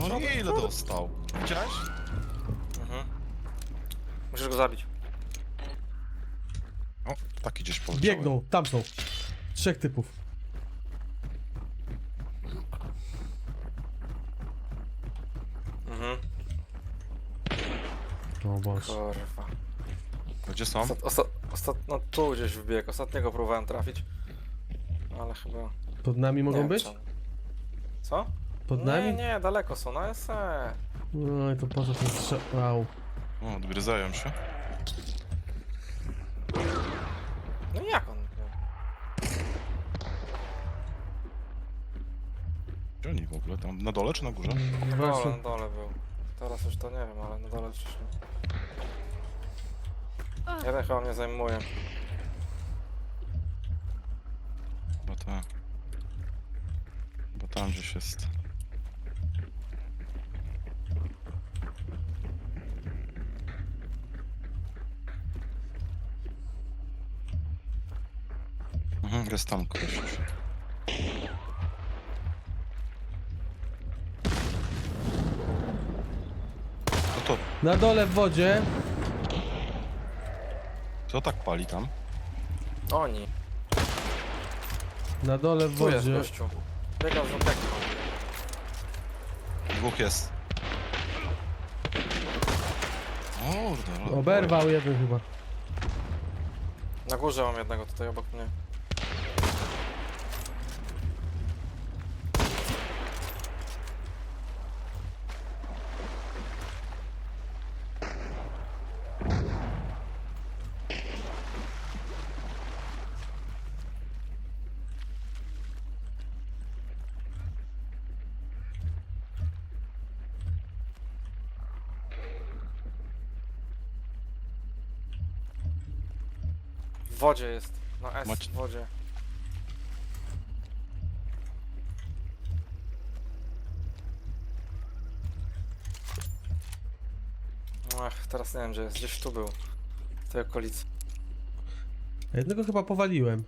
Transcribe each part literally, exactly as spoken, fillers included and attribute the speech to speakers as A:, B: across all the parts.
A: No nie, ile dostał? Widziałeś?
B: Mhm. Musisz go zabić.
A: O, taki gdzieś poleciałem.
C: Biegną, tam są. Trzech typów.
B: Mhm.
C: O Boże.
B: Kurwa.
A: Gdzie są?
B: Ostat, ostat, ostat, no tu gdzieś wbiegł. Ostatniego próbowałem trafić. Ale chyba...
C: Pod nami
B: nie
C: mogą
B: wiem,
C: być?
B: czemu. Co?
C: Pod
B: Nie,
C: nami?
B: nie, daleko są, na S E.
C: No i to po co ten strzał? Wow.
A: O, odgryzają się.
B: No i jak on?
A: Gdzie oni w ogóle? Tam na dole czy na górze?
B: Na dole,
C: Właśnie.
B: na dole był. Teraz już to nie wiem, ale na dole wcześniej. Jeden chyba mnie zajmuje.
A: Bo tak. Bo tam gdzieś jest. Mhm, jest tam kogoś już. No to,
C: Na dole w wodzie.
A: co tak pali tam?
B: Oni.
C: Na dole w
B: Tu jest
C: wodzie.
B: gościu. Biegał z żółtego.
A: Dwóch jest. Kurde, ale-
C: Oberwał jeden chyba.
B: Na górze mam jednego tutaj obok mnie. W wodzie jest. Na S
A: Macie-
B: w wodzie. Ach, teraz nie wiem gdzie jest. Gdzieś tu był. W tej okolicy.
C: A jednego chyba powaliłem.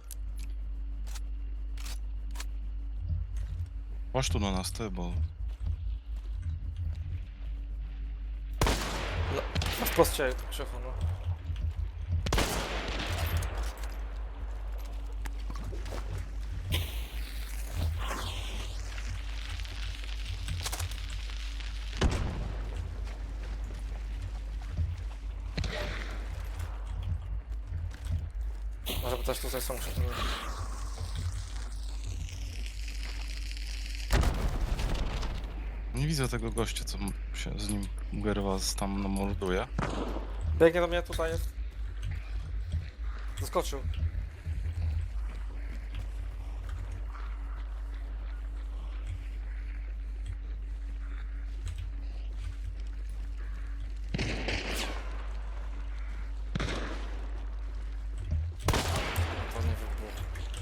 A: Chodź tu na nas, ty, bo...
B: No wprost cię, Krzychu, no. Może by też tutaj są Krzychu.
A: Nie widzę tego gościa, co m- się z nim Gerwas tam morduje.
B: Biegnie do mnie, tutaj jest. Zaskoczył. To nie wybuchło.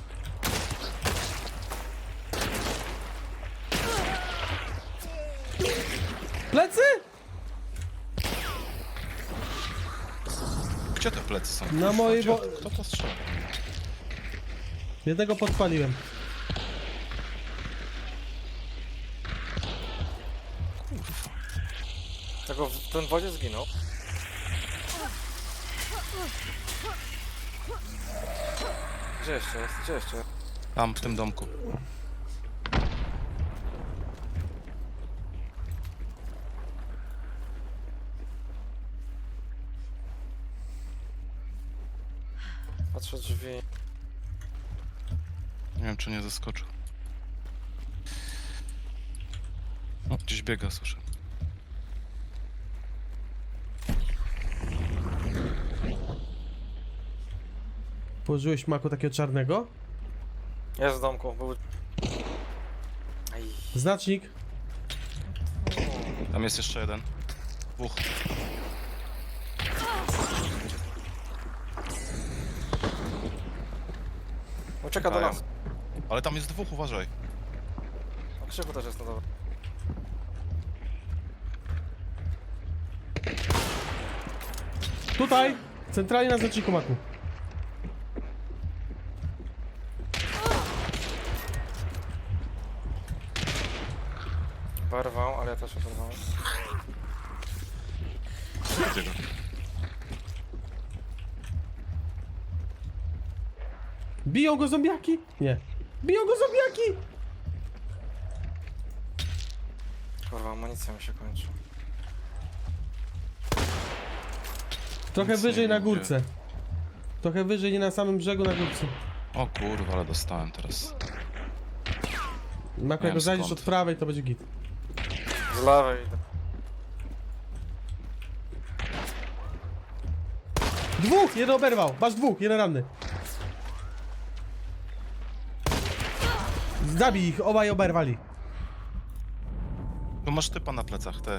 C: Plecy?
A: Gdzie te plecy są?
C: Na mojej
A: Gdzie?
C: wo-
A: Kto to strzela?
C: Jednego podpaliłem.
A: Kurwa.
B: Tego w tym wodzie zginął. Gdzie jeszcze jest? Gdzie jeszcze jest?
A: Tam, w tym domku.
B: Patrzę drzwi.
A: Nie wiem, czy nie zaskoczył. O, gdzieś biega, słyszę.
C: Położyłeś maku takiego czarnego?
B: Jest w domku, był... Aj.
C: Znacznik.
A: Tam jest jeszcze jeden. Dwóch.
B: Ucieka do
A: Czekają.
B: nas.
A: Ale tam jest dwóch, uważaj.
B: A Krzychu też jest na dole.
C: Tutaj! Centralnie na znaczniku maku.
B: Oberwał, ale ja też oberwałem.
A: Gdzie go?
C: Biją go zombiaki? Nie. Biją go zombiaki!
B: Kurwa, amunicja mi się kończy.
C: Trochę
A: Nic nie
C: wyżej na
A: mówię.
C: górce. Trochę wyżej, nie na samym brzegu, na górce.
A: O kurwa, ale dostałem teraz.
C: Maku, jak
A: Wiem
C: go zajdziesz
A: skąd.
C: od prawej, to będzie git.
B: Z lewej idę.
C: Dwóch! Jeden oberwał! Masz dwóch, jeden ranny. Zabij ich, obaj oberwali.
A: Tu masz typa na plecach, te.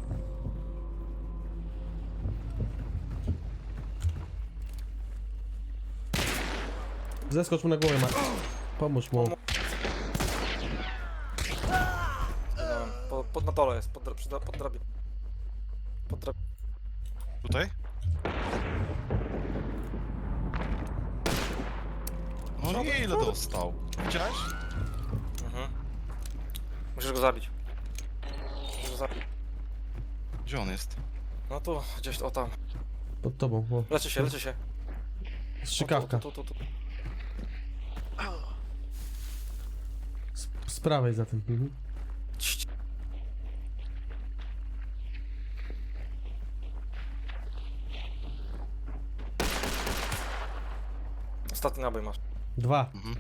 C: Zeskocz mu na głowę, Maku. Pomóż mu.
B: Zginąłem. Po, pod na dole jest, pod, dra- przy, dra- pod drabiną. Pod drab...
A: Tutaj? No nie, ile dostał? Widziałeś?
B: Mhm. Musisz go zabić. Musisz go zabić.
A: Gdzie on jest?
B: No tu, gdzieś, o tam.
C: Pod tobą, o.
B: Leczy się, leczy się.
C: Strzykawka.
B: Tu, tu, tu, tu, tu.
C: Z, z prawej za tym. Mhm.
B: Cii. Ostatni nabój masz.
C: Dwa.
A: Mhm.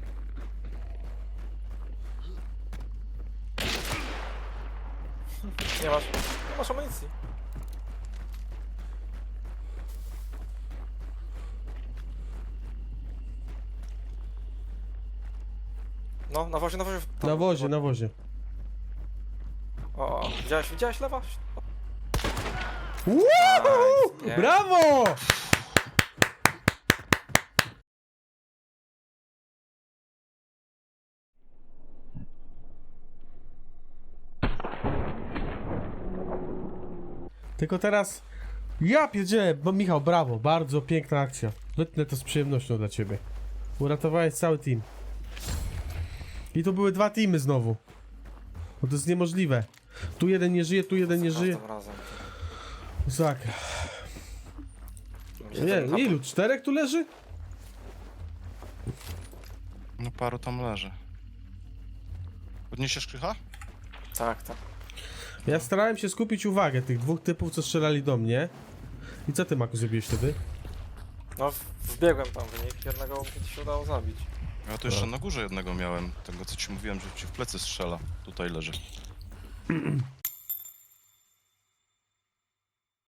B: Nie masz, nie masz amunicji. No, na wozie, na wozie. tam.
C: Na wozie, na wozie.
B: O, o, widziałeś, widziałeś lewa?
C: Woohoo!
B: Nice, nie.
C: Brawo! Tylko teraz... Ja pierdzielę, bo Michał, brawo, bardzo piękna akcja. Wytnę to z przyjemnością dla ciebie. Uratowałeś cały team. I tu były dwa teamy znowu. Bo to jest niemożliwe. Tu jeden nie żyje, tu jeden nie
B: Za
C: żyje.
B: każdym razem.
C: Masakra.
B: Gdzie
C: Nie,
B: ten hap-
C: ilu? Czterech tu leży?
A: No paru tam leży. Podniesiesz krycha?
B: Tak, tak.
C: Ja starałem się skupić uwagę tych dwóch typów, co strzelali do mnie. I co ty, Maku, zrobiłeś wtedy?
B: No, w- wbiegłem tam w nich, jednego mi się udało zabić.
A: Ja tu jeszcze na górze jednego miałem. Tego co ci mówiłem, że ci w plecy strzela. Tutaj leży.